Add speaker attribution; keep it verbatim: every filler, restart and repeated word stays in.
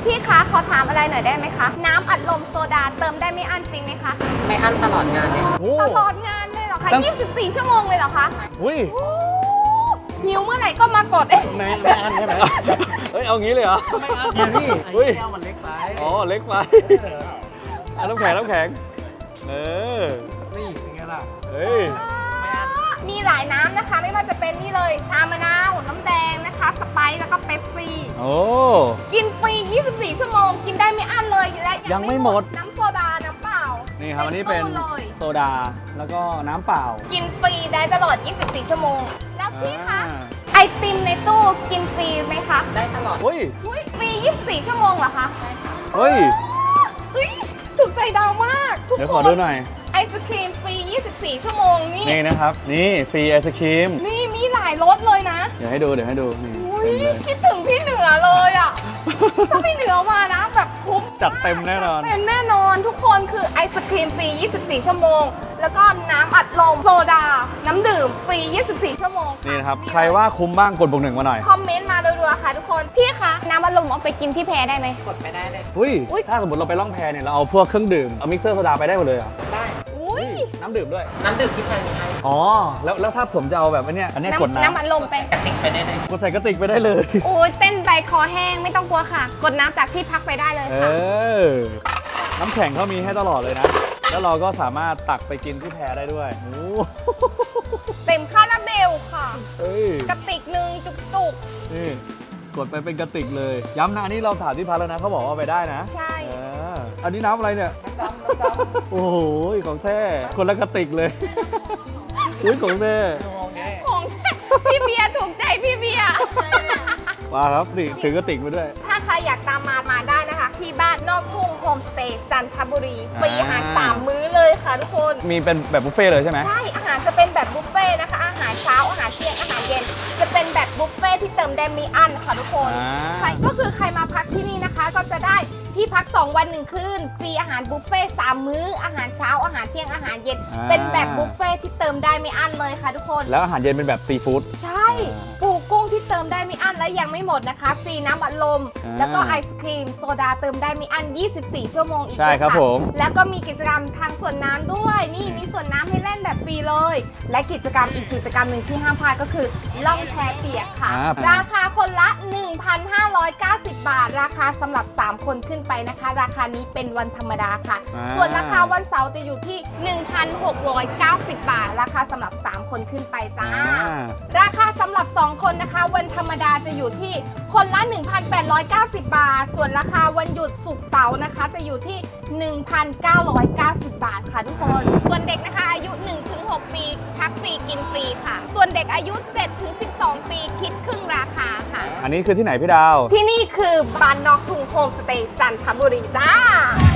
Speaker 1: พี่คะขอถามอะไรหน่อยได้ไหมคะน้ำอัดลมโซดาเติมได้ไม่อั้นจริงไหมคะ
Speaker 2: ไม่อั้นตลอดงานเลย
Speaker 1: ตลอดงานเลยเหรอคะยี่สิบสี่ชั่วโมงเลยเหรอคะ
Speaker 3: อุ้ย
Speaker 1: หิวเมื่อไหร่ก็มากดเอง
Speaker 3: ไม่ไม่อั้นใช่ไหมเฮ้ยเอางี้เลยเหรอ
Speaker 2: ไม่อั้นเนี่ยพี่
Speaker 3: อุ้ย
Speaker 2: แก้วมันเล็กไป
Speaker 3: อ๋อเล็กไปอ่ะน้ำแข็งน้ำแข็งเออ
Speaker 2: นี่เป็นไงล่ะ
Speaker 3: เฮ้ย
Speaker 1: มีหลายน้ำนะคะไม่ว่าจะเป็นนี่เลยชามะนาวน้ำแดงนะคะสไปซ์แล้วก็เป๊ปซี่
Speaker 3: โอ้
Speaker 1: กินฟรียี่สิบสี่ชั่วโมงกินได้ไม่อั้นเลยและ
Speaker 3: ยังไม่หมด
Speaker 1: น้ำโซดาน้ำเปล่า
Speaker 3: นี่ครับอันนี้เป็นโซดาแล้วก็น้ำเปล่า
Speaker 1: กินฟรีได้ตลอดยี่สิบสี่ชั่วโมงแล้วพี่คะไอติมในตู้กินฟรีไหมคะ
Speaker 2: ได้ตลอด
Speaker 3: เฮ้ย
Speaker 1: ฟรียี่สิบสี่ชั่วโมงเหรอคะใช่ค่ะ
Speaker 3: เฮ้ย
Speaker 1: เฮ้ยถูกใจดาวมากทุกคน
Speaker 3: เดี๋ยวขอดูหน่อย
Speaker 1: ไอศครีมฟรียี่สิบสี่ชั่วโมงนี่
Speaker 3: นี่นะครับนี่ฟรีไอศครีม
Speaker 1: นี่มีหลายรสเลยนะ
Speaker 3: เดี๋ยวให้ดูเดี๋ยวให้ดูนี่
Speaker 1: คิดถึงพี่เหนือเลยอ่ะถ้าพี่เหนือมานะแบบคุ้ม
Speaker 3: จัดเต็มแน่นอน
Speaker 1: เต็มแน่นอนทุกคนคือไอศครีมฟรียี่สิบสี่ชั่วโมงแล้วก็น้ำอัดลมโซดาน้ำดื่มฟรียี่สิบสี่ชั่วโมง
Speaker 3: นี่นะครับใครว่าคุ้มบ้างกดบวกหนึ่งมาหน่อย
Speaker 1: คอมเมนต์มารัวๆค่ะทุกคนพี่คะน้ำอัดลมเอาไปกินที่แพได้ไหม
Speaker 2: กดไปได้เลย
Speaker 3: อุ้ยถ้าสมมติเราไปล่องแพเนี่ยเราเอาพวกเครื่องดื่มเอามิกเซอร์โซดาไปได้หมดเลยเหรอ
Speaker 2: ได้
Speaker 1: อุ้ย
Speaker 3: น้ำดื่มด้วย
Speaker 2: น้ำดื่มที่แพมีให้
Speaker 3: อ๋อแล้วแล้วถ้าผมจะเอาแบบอันเนี้ยอันเนี้ยกดน้ำ
Speaker 1: น้ำอัดลมไป
Speaker 2: กระติกไปได้เลย
Speaker 3: กดใส่กระติกไปได้เลย
Speaker 1: โอ้ยเต้นไปคอแห้งไม่ต้องกลัวค่ะกดน้ำจากที่พักไปได้เลยค่ะ
Speaker 3: เออน้ำแข็งเขามีให้ตลอดเลยนะแล้วเราก็สามารถตักไปกินที่แพได้ด้วยโอ้
Speaker 1: เต็มคาราเบลค่ะ
Speaker 3: เฮ้ย
Speaker 1: กระติกหนึ่งจุก
Speaker 3: ๆนี่กดไปเป็นกระติกเลยย้ำนะอันนี้เราถามที่พักแล้วนะเขาบอกว่าไปได้นะ
Speaker 1: ใช่
Speaker 3: อันนี้น้ำอะไรเนี่ย
Speaker 2: น้ำดำ
Speaker 3: โอ้โหของแท้คนละกระติกเลยอุ้ยของแท้
Speaker 1: ของแท้พี่เบียร์ถูกใจพี่เบียร์
Speaker 3: มาครับนี่ถือกระติกมาด้วย
Speaker 1: ถ้าใครอยากตามมามาได้นะคะที่บ้านนอกทุ่งโฮมสเตย์จันทบุรีฟรีอาหารสามมื้อเลยค่ะทุกคน
Speaker 3: มีเป็นแบบบุฟเฟ่เลยใช่ไหม
Speaker 1: ใช่อาหารจะเป็นแบบบุฟเฟ่นะคะอาหารเช้าอาหารเที่ยงอาหารเย็นจะเป็นแบบบุฟเฟ่ที่เติมได้มีอันค่ะทุกคนใครก็คือใครมาพักที่นี่นะคะก็จะได้ที่พักสองวันหนึ่งคืนฟรีอาหารบุฟเฟ่สามมื้ออาหารเช้าอาหารเที่ยงอาหารเย็นเป็นแบบบุฟเฟ่ที่เติมได้ไม่อั้นเลยค่ะทุกคน
Speaker 3: แล้วอาหารเย็นเป็นแบบซีฟู้ด
Speaker 1: ใช่ปูกุ้งที่เติมได้ไม่อั้นและยังไม่หมดนะคะฟรีน้ำอัดลมแล้วก็ไอศครีมโซดาเติมได้ไม่อั้นยี่สิบสี่ชั่วโมงอีก
Speaker 3: ใช่ครับผม
Speaker 1: แล้วก็มีกิจกรรมทางสวนน้ำด้วยนี่มีสวนน้ำให้เล่นแบบฟรีเลยและกิจกรรมอีกกิจกรรมหนึ่งที่ห้ามพลาดก็คือล่องแพเปียกค่ะราคาคนละ หนึ่งพันห้าร้อยเก้าสิบ บาทราคาสำหรับสามคนขึ้นไปนะคะราคานี้เป็นวันธรรมดาค่ะส่วนราคาวันเสาร์จะอยู่ที่ หนึ่งพันหกร้อยเก้าสิบ บาทราคาสำหรับสามคนขึ้นไปจ้าราคาสำหรับสองคนนะคะวันธรรมดาจะอยู่ที่คนละ หนึ่งพันแปดร้อยเก้าสิบ บาทส่วนราคาวันหยุดศุกร์เสาร์นะคะจะอยู่ที่ หนึ่งพันเก้าร้อยเก้าสิบ บาทค่ะทุกคนส่วนเด็กนะคะอายุ หนึ่งถึงหก ปีพักฟรีกินฟรีค่ะส่วนเด็กอายุ เจ็ดถึงสิบสอง ปีคิดครึ่งราคาค่ะ
Speaker 3: อันนี้คือที่ไหนพี่ดาว
Speaker 1: ที่นี่คือบ้านนอกทุ่งโฮมสเตย์จันทบุรีจ้า